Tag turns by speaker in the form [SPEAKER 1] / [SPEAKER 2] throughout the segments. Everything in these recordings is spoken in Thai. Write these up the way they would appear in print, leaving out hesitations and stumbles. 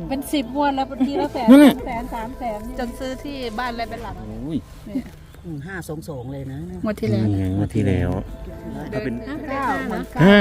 [SPEAKER 1] เป็น10 งวดแล้วทีละแสน 2 แสน 3 แสนจนซื้อที่บ้านอะไรเป็นหลัง
[SPEAKER 2] โอ้ย
[SPEAKER 3] 522เลยนะ
[SPEAKER 1] งวดที่แล้ว
[SPEAKER 2] นี่ไงงวดที่แล้วถ้าเป็น
[SPEAKER 1] 9
[SPEAKER 2] ห้า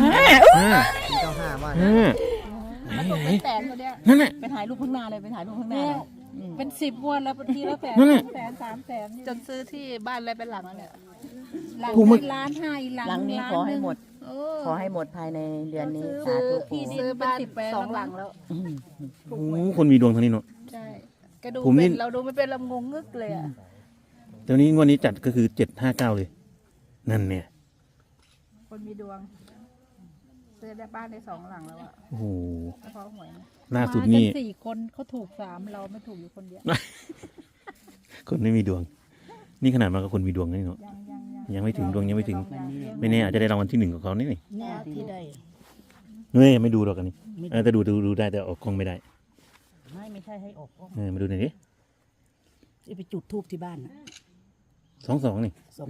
[SPEAKER 3] 95ว่า
[SPEAKER 2] ห้า
[SPEAKER 1] มันถูกเป็นแสนตัวเนี้ย
[SPEAKER 2] นั่นแหละ
[SPEAKER 3] ไปถ่ายรูปข้างหน้าเลยไปถ่ายรูปข้างหน้า
[SPEAKER 1] เนี่ยเป็น10 งวดแล้วทีละแสน
[SPEAKER 2] นั่นแหละ
[SPEAKER 1] 2 แสน 3 แสนจนซื้อที่บ้านอะไรเป็นหลังแล้วเนี่ยหลัง
[SPEAKER 2] ถูกมั้ย
[SPEAKER 1] 1.5 ล้านอีกหลัง
[SPEAKER 3] หลังนี้ขอให้หมด
[SPEAKER 1] เออ
[SPEAKER 3] ขอให้หมดภายในเดือนนี้สา
[SPEAKER 1] ซื้อ
[SPEAKER 3] ธุ
[SPEAKER 1] ที่ดินบ้าน2 หลังแล้ว
[SPEAKER 2] โอ้คนมีดวงทางนี้เนาะ
[SPEAKER 1] ใช่ก็ดู
[SPEAKER 2] ผมนี่
[SPEAKER 1] เป็นเราดูไม่เป็นเรางงงึกเลยอ่ะ
[SPEAKER 2] เดี๋ยวนี้งวดนี้จัดก็คือ759เลยนั่นเนี่ย
[SPEAKER 1] คนมีดวง ซื้อได้บ้านได้2 หลังแล้วอ่ะ
[SPEAKER 2] โอ้โห
[SPEAKER 1] เฉพาะหวยนะ
[SPEAKER 2] ล่าสุดนี่
[SPEAKER 1] มากั4 คนเขาถูก3เราไม่ถูกอยู่คนเดียว
[SPEAKER 2] คนไม่มีดวง นี่ขนาดมากับคนมีดวงนี่เนาะ ยังไม่ถึงดวงยังไม่ถึง ไม่แน่อาจจะได้รางวัลที่1กับเขานี่นี่
[SPEAKER 3] แน่ที่ได้
[SPEAKER 2] เฮ้ยไม่ดูหรอกอันนี้แต่ดูได้แต่ออกกล้องไม่ได้
[SPEAKER 3] ไม่ใช่ให้ออกก็
[SPEAKER 2] มาดูหน่อยดิ
[SPEAKER 3] ไปจุดทูบที่บ้าน
[SPEAKER 2] 22นี่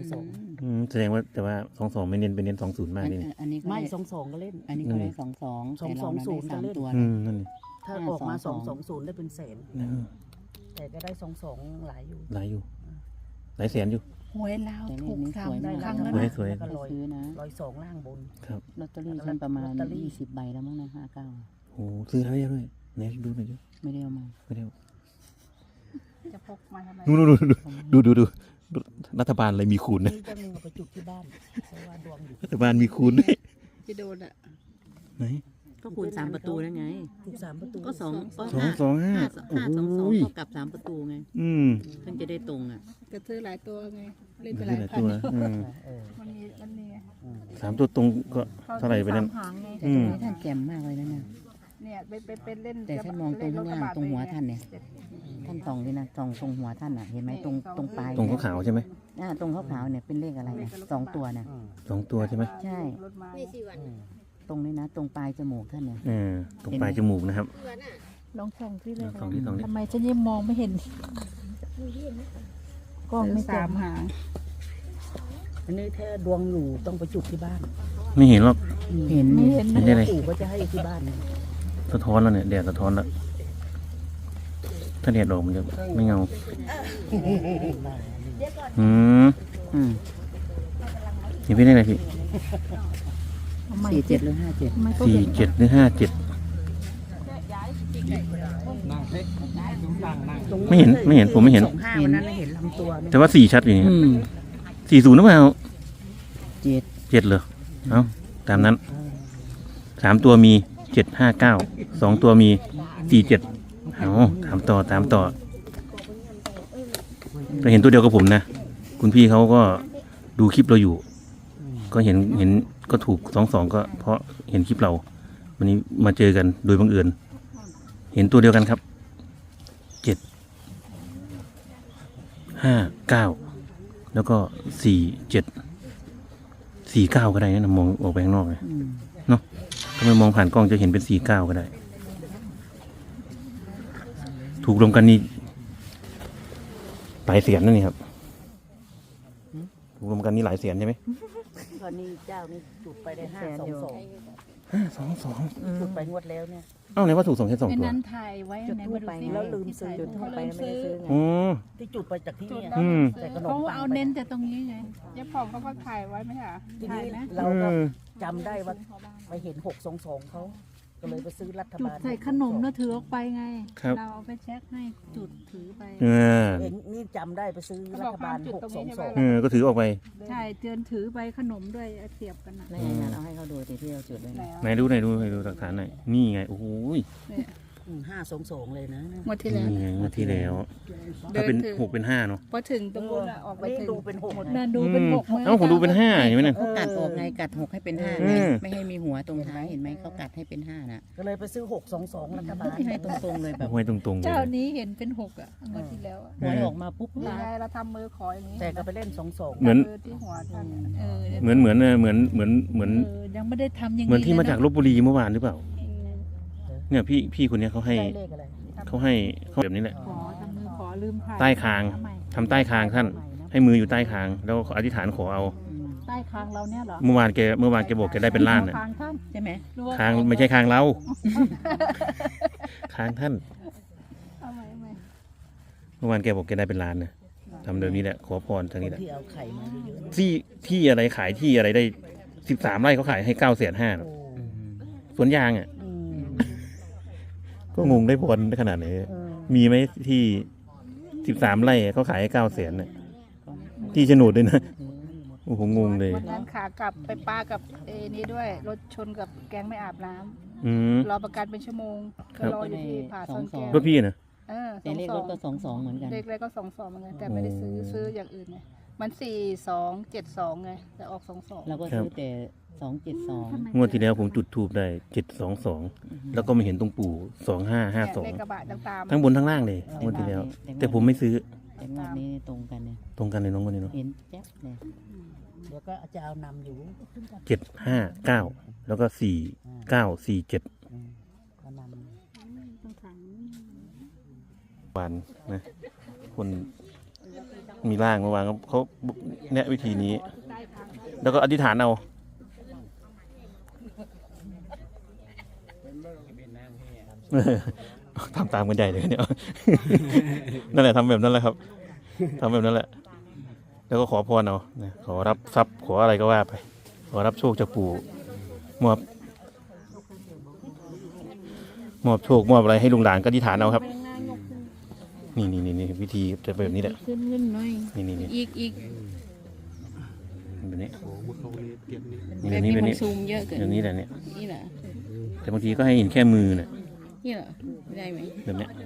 [SPEAKER 3] 22
[SPEAKER 2] แสดงว่าแต่ว่า22ไม่เน้นไปเน้น20มากนี่นี่
[SPEAKER 4] อันนี้ก็
[SPEAKER 3] ไม่
[SPEAKER 4] ได้
[SPEAKER 3] 22ก็เล่น
[SPEAKER 4] อันนี้ก็ได้22แต่เราได้สามตัว
[SPEAKER 2] นั่นนี่
[SPEAKER 3] ถ้าออกมา220ได้เป็นแสน แต่ก็ได้22หลายอยู่
[SPEAKER 2] หลายอยู่หลายแสนอยู่
[SPEAKER 1] หวยเราวถูก
[SPEAKER 4] นี่สวย
[SPEAKER 1] 3
[SPEAKER 4] นะ
[SPEAKER 1] ครั้งแล้ว
[SPEAKER 2] สวย
[SPEAKER 1] นะ
[SPEAKER 2] สวย
[SPEAKER 3] แล้วก็
[SPEAKER 4] ไปซื้อนะ
[SPEAKER 3] 102ล่างบน
[SPEAKER 2] ครับ
[SPEAKER 4] ลอตเตอรี่ฉันประมาณ
[SPEAKER 3] ลอตเตอรี่
[SPEAKER 4] 20 ใบแล้วมั้งนะ59
[SPEAKER 2] โอ้ซื้อแล้วด้วยไหนดูหน่อยดิ
[SPEAKER 4] ไม่ได้เอามา
[SPEAKER 2] ไม่ได้เอา
[SPEAKER 1] จะพกมาทำไม
[SPEAKER 2] ดูรัฐบาลอะไรมีคูณนะ
[SPEAKER 3] นี่จะมีเอาไปจุดที่บ้านเพราะว่าดวงอยู่
[SPEAKER 2] รัฐบาลมีคูณด้วย
[SPEAKER 1] จะโดนอ่ะ
[SPEAKER 2] ไหน
[SPEAKER 4] ก็คูณ3ประตูนั่นไง
[SPEAKER 3] ถูก3ประตู
[SPEAKER 4] ก็2ก็
[SPEAKER 2] 225
[SPEAKER 4] 5 2 2เท่ากับ3ประตูไง เพิ่งจะได้ตรงอ่ะ
[SPEAKER 1] ก็ซื้อหลายตัวไง เล่นไป
[SPEAKER 2] ไม่
[SPEAKER 1] ห
[SPEAKER 2] ใช่
[SPEAKER 1] ลาย
[SPEAKER 2] หลาย
[SPEAKER 1] พัน
[SPEAKER 2] ตัว
[SPEAKER 1] มันมีไง
[SPEAKER 2] 3ตัวตรงก็เท่าไหร่ไปนั่น
[SPEAKER 1] สมหางไง
[SPEAKER 4] แต่ตรงนี้ท่านแจ่มมากเลยนะเนี่ย
[SPEAKER 1] เนี่ยเป็นเล่น
[SPEAKER 4] แต่ท่านมองตรงข้างล่างตรงหัวท่านเนี่ย ท่านส่องนี่นะส่องตรงหัวท่านอ่ะ เห็นไหมตรงปลาย
[SPEAKER 2] ตรงขาวๆใช่ไหม
[SPEAKER 4] ตรงขาวๆเนี่ยเป็นเลขอะไรนะ2ตัวนะ
[SPEAKER 2] 2ตัวใช่ไหม
[SPEAKER 4] ใช่
[SPEAKER 1] รถมา
[SPEAKER 4] ตรงนี้นะ ตรงปลายจมูกท่านเนี่ย
[SPEAKER 2] ตรงปลายจมูกนะครับ
[SPEAKER 1] ลองส่องที่เลย
[SPEAKER 2] ส่องที่ส่องที่
[SPEAKER 1] ทำไมฉันยังมองไม่เห็นกล้องไม่สามหาง
[SPEAKER 3] อันนี้ถ้าดวงอยู่ต้องไปจุดที่บ้าน
[SPEAKER 2] ไม่เห็นหรอก
[SPEAKER 4] เห็น
[SPEAKER 1] ไม่เห็น
[SPEAKER 2] เห็นได้เลย
[SPEAKER 3] ปู่ก็จะให้ที่บ้าน
[SPEAKER 2] สะท้อนแล้วเนี่ยแดดสะท้อนแล้วถ้าแดดออกมันจะไม่เงาอืม
[SPEAKER 4] อืม
[SPEAKER 2] เห็นพี่ได้ไรพี่
[SPEAKER 4] 47หรือ57
[SPEAKER 1] ทำไมก็
[SPEAKER 2] สี่
[SPEAKER 1] เห็น
[SPEAKER 2] เจ็ดหรือ57ไม่เห็นผมไม่เห็น
[SPEAKER 3] 25วันนั้นเห็นลำตัวเนี่ย
[SPEAKER 2] แต่ว่า4ชัดอยู่นี่
[SPEAKER 4] อืม
[SPEAKER 2] 40หรือเปล่า
[SPEAKER 4] 7
[SPEAKER 2] 7เหรอเอาตามนั้น3ตัวมี759 2ตัวมี47เอาตามต่อก็เห็นตัวเดียวกับผมนะคุณพี่เขาก็ดูคลิปเราอยู่ ก็เห็นก็ถูก22ก็เพราะเห็นคลิปเรา วันนี้มาเจอกันโดยบังเอิญเห็นตัวเดียวกันครับ759แล้วก็4749ก็ได้นะมองออกไปข้างนอกเลยเนาะถ้าไม่มองผ่านกล้องจะเห็นเป็น49ก็ได้ ถูกรวมกันนี่หลายแสนนั่นนี่ครับถูกรวมกันนี่หลายแสนใช่ไหม
[SPEAKER 3] ตอนนี้เจ้านี่จุดไปได้522
[SPEAKER 2] 522
[SPEAKER 3] จุดไปงวดแล้วเนี่ย
[SPEAKER 2] เอ้าไหนว่าถูก2แค่2
[SPEAKER 1] ไอ้
[SPEAKER 2] ตัว
[SPEAKER 1] นั้นถ่ายไว้
[SPEAKER 3] จุด
[SPEAKER 1] ไหน
[SPEAKER 3] ทู
[SPEAKER 1] มา
[SPEAKER 3] บ
[SPEAKER 1] ดู
[SPEAKER 3] ไป
[SPEAKER 1] สิ
[SPEAKER 3] แล้วลืมซื้อ
[SPEAKER 4] จุดทูบไปไม่ได้ซื้อไง
[SPEAKER 2] อ๋อ
[SPEAKER 3] ที่จุดไปจากที่เนี่ย
[SPEAKER 2] อืม
[SPEAKER 3] แต่ขนม
[SPEAKER 1] เขา
[SPEAKER 3] ปัง
[SPEAKER 1] เอาเน้นแต่ตรงนี้ไงยายผ่องเขาก็ถ่ายไว้ไหมคะ
[SPEAKER 3] ที
[SPEAKER 1] ถ่าย
[SPEAKER 3] นี้
[SPEAKER 1] นะ
[SPEAKER 3] เราก็จำได้ว่าไปเห็น622เขาก็เลยไปซื้อรัฐ
[SPEAKER 1] จุด
[SPEAKER 3] บาล
[SPEAKER 1] ใส่ขนมแล้วถือออกไปไง
[SPEAKER 2] ครับ
[SPEAKER 1] เราเอาไปเช็คให้จุดถือไป
[SPEAKER 3] เห็นนี่จำได้ไปซื้อรัฐบาล622
[SPEAKER 2] ก็ถือออกไป
[SPEAKER 1] ใช่เตือนถือไปขนมด้วยเอาเสียบกันนะ
[SPEAKER 4] แล้วงานเอาให้เขาดูที่เราจุดไว้นะ
[SPEAKER 2] ไหนดูหลักฐานหน่อยนี่ไงโอ้โห
[SPEAKER 3] 522เลยนะ
[SPEAKER 1] งวดที่แล้ว
[SPEAKER 2] นี่ไงงวดที่แล้ว ถ้าเป็น6เป็น5เนาะ
[SPEAKER 1] พอถึงตรงนู้นอะออกไป
[SPEAKER 3] นี่
[SPEAKER 1] ถึง
[SPEAKER 3] ดูเป็น6
[SPEAKER 1] นั่นดูเป็นหกมั้ย
[SPEAKER 2] เอ้าผมดูเป็น5เห็นไหมนั่น
[SPEAKER 4] เขากัดออกไงกัด6ให้เป็น5
[SPEAKER 2] อื
[SPEAKER 4] ไง
[SPEAKER 2] ม
[SPEAKER 4] ไม่ให้มีหัวตรงท้ายเห็นไหมเขากัดให้เป็น5น่ะ
[SPEAKER 3] ก็เลยไปซื้อ622รัฐบาล
[SPEAKER 4] ที่ให้ตรงๆเลยแบบ
[SPEAKER 2] ไว้ตรงๆเล
[SPEAKER 1] เจ้าย นี้เห็นเป็นหกอ่ะงวดที่แล้วอะ
[SPEAKER 4] หวยออกมาปุ๊บ
[SPEAKER 1] นี่ไงเราทำมือขออย่างนี้
[SPEAKER 3] แต่ก็ไปเล่น22
[SPEAKER 2] เหมือน
[SPEAKER 1] มือที่หัวท่านอะ
[SPEAKER 2] เหมือน
[SPEAKER 1] ยังไม่ได้ทำอย่าง
[SPEAKER 2] เหมือนที่มาจาก
[SPEAKER 1] ล
[SPEAKER 2] ลพบุรีเมื่อวานหรือเปล่า เนี่ยพี่คนเนี้ยเขาให้
[SPEAKER 3] ได้เลขอะไร
[SPEAKER 2] เขาให้เขาแบบนี้แหละ
[SPEAKER 1] ขอทำมือขอลืมถ่าย
[SPEAKER 2] ใต้คาง
[SPEAKER 1] เอใหม่
[SPEAKER 2] ทำใต้คางท่าน ให้มืออยู่ใต้คาง แล้วอธิษฐานขอเอา
[SPEAKER 1] ใต้คางเราเนี่ยเหรอ
[SPEAKER 2] เมื่อวานแกบอกแกได้เป็นล้านน่ะ
[SPEAKER 1] คางท่าน
[SPEAKER 4] ใช่ไหม
[SPEAKER 1] หรือว่า
[SPEAKER 2] คางไม่ใช่คางเรา คค้างท่าน
[SPEAKER 1] เอาไหมเอาไหม
[SPEAKER 2] เมื่อวานแกบอกแกได้เป็นล้านนะทำเดี๋ยวนี้แหละขอพรทาง
[SPEAKER 3] ค
[SPEAKER 2] นี้
[SPEAKER 3] น
[SPEAKER 2] แหละ
[SPEAKER 3] ที่เอาไข่มาเยอะๆนะ
[SPEAKER 2] ที่อะไรขายที่อะไรได้13 ไร่เขาขายให้950,000
[SPEAKER 3] โอ้
[SPEAKER 2] สวนยางอ่ะ
[SPEAKER 3] อืม
[SPEAKER 2] ก็งงได้ผลขนาดไหน
[SPEAKER 3] เออ
[SPEAKER 2] มีไหมที่13 ไร่เขาขายให้900,000น่ะที่โฉนดด้วยนะโอ้โหงงเลย
[SPEAKER 1] วันนั้นขากลับไปปากับนี้ด้วยรถชนกับแก๊งไม่อาบน้ำ
[SPEAKER 2] อืม
[SPEAKER 1] รอประกันเป็นชั่วโมง
[SPEAKER 2] ครั
[SPEAKER 1] ก็
[SPEAKER 2] บ
[SPEAKER 1] รออยู่ที่ผาซ่อนแก้ว
[SPEAKER 2] รถพี่นะ
[SPEAKER 4] แต่เลขรถก็22เหมือนกัน
[SPEAKER 1] เลขอะไรก็22เหมือนกันแต่ไม่ได้ซื้ออย่างอื่นไงมัน4272ไงแต่ออก22
[SPEAKER 4] เราก็ซื้อแต่272
[SPEAKER 2] งวดที่แล้วผมจุดทูบได้722แล้วก็มาเห็นตรงปู่
[SPEAKER 1] เลขกระบะตาม
[SPEAKER 2] 2552ทั้งบนทั้งล่างเลยงวดที่แล้ว แต่ผมไม่ซื้อ
[SPEAKER 4] แต่งวดนี้ตรงกันเนี่ย
[SPEAKER 2] ตรงกันเลยน้องคนนี้เนาะ
[SPEAKER 4] เห็นแจ๊บเลย
[SPEAKER 3] เดี๋ยวก็จะเอานำอยู่
[SPEAKER 2] 759แล้วก็4947
[SPEAKER 3] อืมก็นำ
[SPEAKER 2] วานนะคนมีร่างเมื่อวานเขาแนะวิธีนี้ แล้วก็อธิษฐานเอาทำตามกันใหญ่เลยเนี่ย นั่นแหละทำแบบนั้นแหละครับทำแบบนั้นแหละ แล้วก็ขอพรเอานะขอรับทรัพย์ขออะไรก็ว่าไป ขอรับโชคจากปู่มอบโชคมอบอะไรให้ลุงหลานก็อธิษฐานเอาครับ นี่วิธีจะเป็นแบบนี้แหละ
[SPEAKER 1] ขึ้นหน่อย
[SPEAKER 2] นี่
[SPEAKER 1] อีก
[SPEAKER 2] แบบนี้
[SPEAKER 1] แบบนี้มันซูมเยอะเกิน
[SPEAKER 2] แบบนี้แหละเนี่ย
[SPEAKER 1] นี่เหรอ
[SPEAKER 2] แต่บางทีก็ให้เห็นแค่มือน่ะ
[SPEAKER 1] นี่เหรอไม่ได้ไหม
[SPEAKER 2] แบบเนี้ย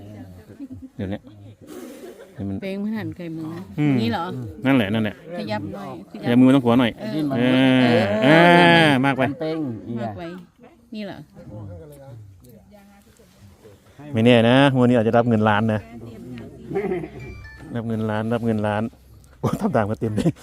[SPEAKER 2] ให้มัน
[SPEAKER 1] เป้งมันหันไกลมือ
[SPEAKER 2] อืม
[SPEAKER 1] นี่เหรอ
[SPEAKER 2] นั่นแหละ
[SPEAKER 1] ขยับหน่อย
[SPEAKER 2] อย่ามือต้องหัวหน่อยมากไป
[SPEAKER 3] เป้ง
[SPEAKER 1] มากไว้นี่เหรอ
[SPEAKER 2] ไม่แน่นะวันนี้อาจจะรับเงินล้านนะรับเงินล้านโอ้ทำตามกันเต็มเลย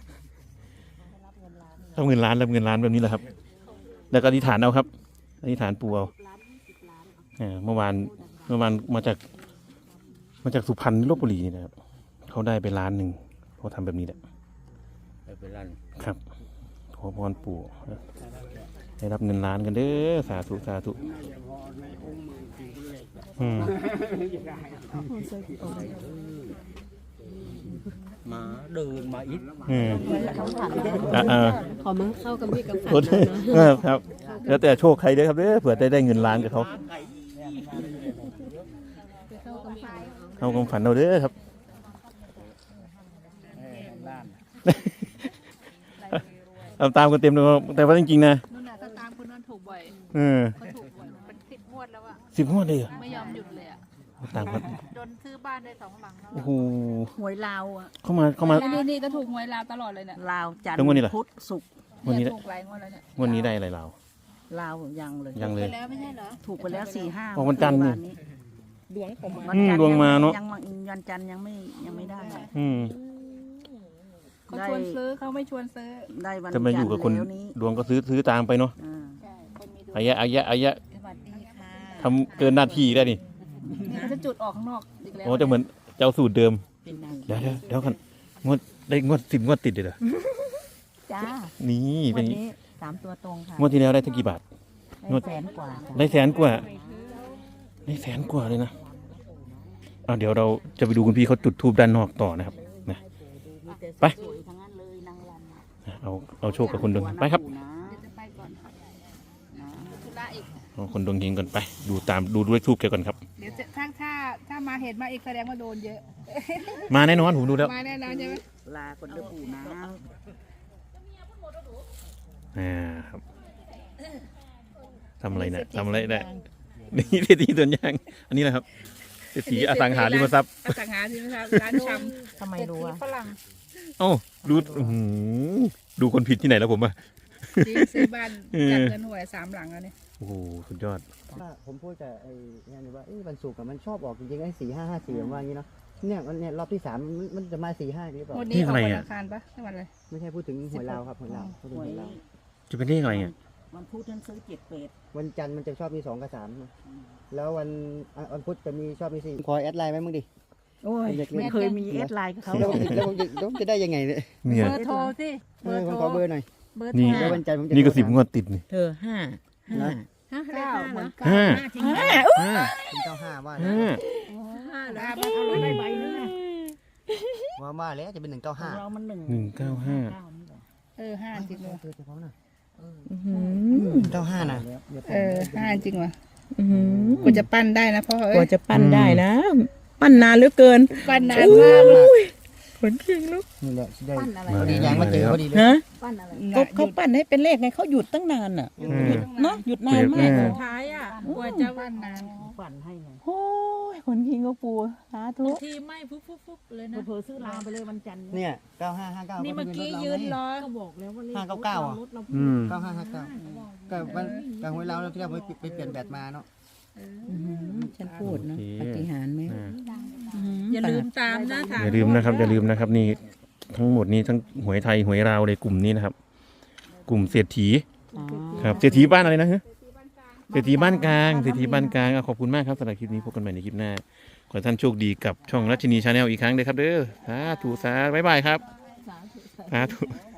[SPEAKER 2] รับเงินล้านแบบนี้แหละครับ แล้วก็อธิษฐานเอาครับอธิษฐานปู่เอาเมื่อวานมาจากสุพรรณลพบุรีนี่นะครับเขาได้ไป1 ล้านเขาทำแบบนี้แหละครับขอพรปู่ให้รับเงินล้านกันเด้อสาธุ
[SPEAKER 3] มาเดินมาอีก
[SPEAKER 1] ขอมาเข้ากับพี่กับ
[SPEAKER 2] ครับแล้วแต่โชคใครเด้อครับเด้อเผื่อได้เงินล้านกับเขาเข้าความฝันเราเด้อครับเอาตามกันเต็มเลยแต่ว่าจริงๆนะ
[SPEAKER 1] นู่นน่ะก็ตามคนนั้นถูกบ่อย
[SPEAKER 2] เขา
[SPEAKER 1] ถูกบ่อยเป็น10 งวดแล้วอะ
[SPEAKER 2] 10 งวดเลยเหรอ
[SPEAKER 1] ไม่ยอมหยุดเลยอะ
[SPEAKER 2] ตามกัน
[SPEAKER 1] จนซื้อบ้านได้2 หลังแล้ว
[SPEAKER 2] โอ้โห
[SPEAKER 3] หวยลาวอ่ะ
[SPEAKER 2] เข้ามา
[SPEAKER 1] นี่ก็ถูกหวยลาวตลอดเลยเนี่ย
[SPEAKER 3] ลาวจันท
[SPEAKER 2] แล้วงวดนี้ล่ะ
[SPEAKER 3] ร์พุธศุกร์
[SPEAKER 2] วันนี้
[SPEAKER 1] ถูกหลายงวดแล้วเนี่ย
[SPEAKER 2] วันนี้ได้อะไรเรา
[SPEAKER 3] ลาวยังเลย
[SPEAKER 2] ยังเลย
[SPEAKER 1] ไปแล้วไม่ใช่เหรอ
[SPEAKER 3] ถูกไปแล้ว4-5
[SPEAKER 2] อ๋อวันจันทร์นี่
[SPEAKER 1] ดวงผม
[SPEAKER 3] วันจันทร์
[SPEAKER 2] ดวงมาเนอะ
[SPEAKER 3] วันจันทร์ยังไม่ได้
[SPEAKER 1] เขาชวนซื้อเขาไม่ชวนซื้อ
[SPEAKER 3] ได้วัน
[SPEAKER 2] จะมาอยู่กับคน
[SPEAKER 3] จัทร์แล้วนี้
[SPEAKER 2] ดวงก็ซื้อตามไปเนาะ
[SPEAKER 3] อ่า
[SPEAKER 1] ใช่คนมีดวง
[SPEAKER 2] อายะ
[SPEAKER 3] สวัสดีค่ะ
[SPEAKER 2] ทำเกินหน้าที่ได้นี่
[SPEAKER 1] นี่เขาจะจุดออกข้างนอกอีกแล้ว
[SPEAKER 2] โอ้จะเหมือนเจ้าสูตรเดิม
[SPEAKER 3] เป็นนาง
[SPEAKER 2] เดี๋ยวกันงวด10 งวดติดเลยเหรอ
[SPEAKER 3] จ้า
[SPEAKER 2] นี่เป็
[SPEAKER 3] วัน นนี้3 ตัวตรงค่ะ
[SPEAKER 2] งวดที่แล้วได้ทั้งกี่บาท งวด
[SPEAKER 3] ได้100,000 กว่าค่ะ
[SPEAKER 2] ได้100,000 กว่าได้100,000 กว่าเลยนะเดี๋ยวเราจะไปดูคุณพี่เขาจุดธูปด้านนอกต่อนะครับนะไป
[SPEAKER 3] สวยทั้งนั้นเลยนางรำอะ
[SPEAKER 2] เอาโชคกับคนดวงไปครับ
[SPEAKER 1] เดี๋ยวจะไปก่อนธุระอีก
[SPEAKER 2] เอาคนดวงเฮงก่อนไป ดูด้วยทูบแกก่อนครับ
[SPEAKER 1] เดี๋ยวจะถ้ามาเห็นมาอีกแสดงว่าโดนเยอะ
[SPEAKER 2] มาแน่นอนผมดูแล้ว
[SPEAKER 1] มาแน่นอนใช่ไหม
[SPEAKER 3] ลาคนเดือปู่นะ
[SPEAKER 2] ครับทำอะไรเนี่ยทำอะไรได้นี่เศรษฐีสวนยางอันนี้แหละครับเศรษฐีอสังหาริมทรัพย์
[SPEAKER 1] อสังหาริมทรัพย์ร้านชำ
[SPEAKER 3] ทำไมรู้อ่ะ
[SPEAKER 1] ฝรั่ง
[SPEAKER 2] เอ้าดูคนผิดที่ไหนแล้วผมอะ
[SPEAKER 1] จริงซื้อบ้านจัดเงินหวย3 หลังแล้วเนี่ย
[SPEAKER 2] โอ้โหสุดยอด
[SPEAKER 5] ผมพูดกับไอ้เนี่ยนี่ว่าวันศุกร์อะมันชอบออกจริงๆไอ้4-5-5-4ผมว่าอย่างนี้เนาะเนี่ยรอบที่3มันจะมา4-5หรือเปล่า
[SPEAKER 1] วันนี้ออกวันอังคารปะไม่วันอะไร
[SPEAKER 5] ไม่ใช่พูดถึงหวยลาวครับหวยลาวพูดถึง
[SPEAKER 3] หว
[SPEAKER 5] หวย ยลาว
[SPEAKER 2] จะเป็นเลขอะไรอ่ะ
[SPEAKER 3] วันพุธนั้นซื้อ7
[SPEAKER 5] วันจันทร์มันจะชอบมี2 กับ 3นะแล้ววันพุธจะมีชอบมี4ขอแอดไลน์ไว้มึงดิ
[SPEAKER 3] โอ้ยไม่เคยมีแอดไลน์กับเขา
[SPEAKER 5] แล้วผมจะได้ยังไงเนี่ย
[SPEAKER 2] เนี่ย
[SPEAKER 1] เบอร์โทรสิเบอร์
[SPEAKER 5] ผม
[SPEAKER 1] โท
[SPEAKER 5] ขอเบ
[SPEAKER 1] ร
[SPEAKER 5] อร์หน่อย
[SPEAKER 1] เบอร์
[SPEAKER 2] นี่
[SPEAKER 1] โทร
[SPEAKER 5] แล้ววันจันทร์ผมจะ
[SPEAKER 2] นี่ก็
[SPEAKER 5] โทร
[SPEAKER 2] 10 งวดติดนี่
[SPEAKER 3] เธอ5
[SPEAKER 1] เก้าเหมือน
[SPEAKER 2] ห้า
[SPEAKER 1] เก้า
[SPEAKER 2] ห้า
[SPEAKER 5] เป็น95ว่านะ
[SPEAKER 2] ห้า
[SPEAKER 3] เอาเลยได้ใบนึงนะ
[SPEAKER 5] ว่าแล้วจะเป็น
[SPEAKER 3] ของ
[SPEAKER 5] 195
[SPEAKER 3] เรามันหนึ่ง
[SPEAKER 1] ห้าจริงเลย
[SPEAKER 5] เจอเฉพาะน่ะ
[SPEAKER 4] อื้อหือ
[SPEAKER 5] 95น่ะ
[SPEAKER 1] ห้าจริงว่ะ
[SPEAKER 4] อื้อหือ
[SPEAKER 1] กูจะปั้นได้นะพ่อก
[SPEAKER 4] ว่าจะปั้นได้นะ ปั้นนานเหลือเกิน
[SPEAKER 1] ปั้นนานมาก
[SPEAKER 4] ขนเก่งลูก
[SPEAKER 5] นี่แหละได้
[SPEAKER 1] ปั้นอะไร
[SPEAKER 5] พอดียังมาเจอพอดีเลย
[SPEAKER 4] ฮะ
[SPEAKER 1] ปั้นอะไร
[SPEAKER 4] ก็เขาปั้นให้เป็นเลขไงเขาหยุดตั้งนานอ่ะ
[SPEAKER 2] อืม
[SPEAKER 4] เนาะหยุดนานมาก
[SPEAKER 2] อืม
[SPEAKER 6] ท้ายอ่ะกว่าจะ
[SPEAKER 1] ปั้นนาน
[SPEAKER 3] ฝันให้ไง
[SPEAKER 4] โอ้ยขนคิงก็ปูสาธุ
[SPEAKER 6] ทีไม่ฟุบเลยนะ
[SPEAKER 3] เผลอๆซื้อลาไปเลยวันจันทร์
[SPEAKER 5] เนี่ย9559
[SPEAKER 6] นี่เมื่อกี้ยืนรอ
[SPEAKER 3] ก็บอกแล้วว่าเลข
[SPEAKER 5] 599อ่ะ
[SPEAKER 3] รถเรา
[SPEAKER 2] อืม
[SPEAKER 5] 9559ก็มันกลางหวยเราที่เราไปเปลี่ยนแบตมาเนาะ
[SPEAKER 4] อื้อหือฉันพูดเนาะปาฏิหารย์ไหม
[SPEAKER 2] อ่า
[SPEAKER 6] อย่าลืมตามนะถาม
[SPEAKER 2] อย่าลืมนะครับอย่าลืมนะครับนี่ทั้งหมดนี้ทั้งหวยไทยหวยลาวเลยกลุ่มนี้นะครับ กลุ่มเศรษฐี
[SPEAKER 4] อ๋อ
[SPEAKER 2] ครับเศรษฐีบ้านอะไรนะฮะเศรษฐีบ้านกลางเศรษฐีบ้านกลางขอบคุณมากครับสำหรับคลิปนี้พบกันใหม่ในคลิปหน้าขอให้ท่านโชคดีกับช่องรัชนีชาแนลอีกครั้งเลยครับเด้อสาธุสาบ๊ายบายครับสาธุ